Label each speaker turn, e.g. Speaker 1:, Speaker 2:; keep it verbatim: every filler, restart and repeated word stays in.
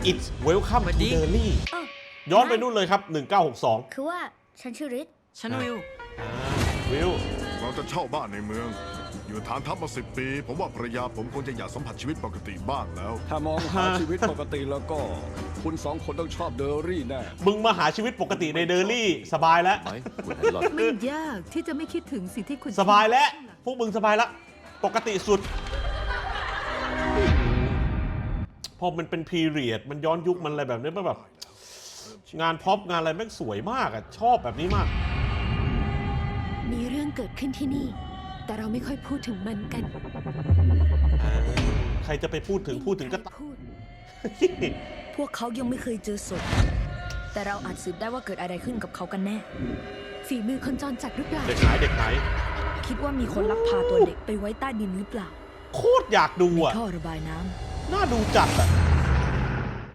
Speaker 1: It's Welcome
Speaker 2: สวัส
Speaker 1: to
Speaker 2: ดี
Speaker 1: Derry
Speaker 3: อ้าว
Speaker 1: ย้อนไปนู่นเลยครับ หนึ่งเก้าหกสอง
Speaker 3: คือว่าฉันชื่อริท
Speaker 2: ฉันวิว
Speaker 1: อ่าวิว
Speaker 4: เราจะเช่าบ้านในเมือง อยู่ฐานทัพมาสิบปี ผมว่าภรรยาผมคงจะอยากสัมผัสชีวิตปกติบ้างแล้ว
Speaker 5: ถ้ามองหาชีวิตปกติแล้วก็ คุณสองคนต้องชอบเดอรี่แน่
Speaker 1: มึงมาหาชีวิตปกติในเดอร์รี่สบายแล้ว
Speaker 6: ไหมคุณไอรอน
Speaker 7: ไม่ยากที่จะไม่คิดถึงสิ่งที่คุณ
Speaker 1: สบายแล้ว พวกมึงสบายแล้ว ปกติสุด พอมันเป็นพีเรียด มันย้อนยุคมันอะไรแบบนี้มันแบบ งานพ็อปงานอะไรแม่งสวยมากอ่ะ ชอบแบบนี้มาก
Speaker 7: มีเรื่องเกิดขึ้นที่นี่ แต่เราไม่ค่อยพูดถึงมันกัน
Speaker 1: อ่าใครจะไปพูดถึงพูดถึงก็
Speaker 7: พูด
Speaker 3: พวกเขายังไม่เคยเจอศพแต่เราอาจสืบได้ว่าเกิดอะไรขึ้นกับเขากันแน่
Speaker 7: ฝีมือคนจรจัดหรือเปล่า
Speaker 1: เด็กหายเด็กหาย
Speaker 3: คิดว่ามีคนลักพาตัวเด็กไปไว้ใต้ดินหรือเปล่า
Speaker 1: โคตรอยากดู
Speaker 3: ใน
Speaker 1: อ่ะ
Speaker 3: ท่อระบายน้ำ
Speaker 1: น่าดูจัดอ่ะ